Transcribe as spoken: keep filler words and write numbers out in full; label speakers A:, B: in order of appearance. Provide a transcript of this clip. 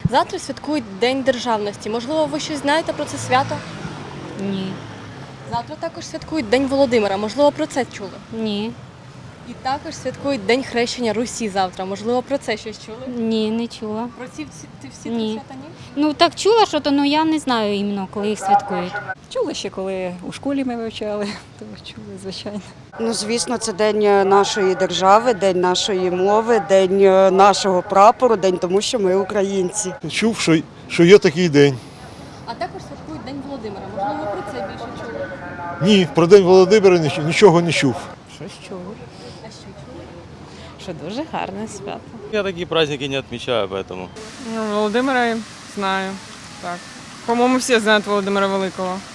A: Завтра святкують День державності. Можливо, ви щось знаєте про це свято?
B: Ні.
A: Завтра також святкують День Володимира. Можливо, про це чули?
B: Ні.
A: І також святкують День хрещення Русі завтра. Можливо, про це щось чули?
B: Ні, не чула.
A: Про ці всі, ці всі
B: Ні.
A: три свята ні?
B: Ну так чула, що то, ну я не знаю іменно, коли їх святкують.
C: Чули ще, коли у школі ми вивчали, то чули, звичайно.
D: Ну, звісно, це день нашої держави, день нашої мови, день нашого прапору, день тому, що ми українці.
E: Чув, що, що є такий день.
A: А також святкують День Володимира. Можливо, про це більше чули?
E: Ні, про День Володимира ніч- нічого не чув.
F: Щось чув,
A: А що чули?
F: що дуже гарне свято.
G: Я такие праздники не отмечаю, поэтому.
H: Ну, Володимира знаю. Так. По-моєму, всі знають Володимира Великого.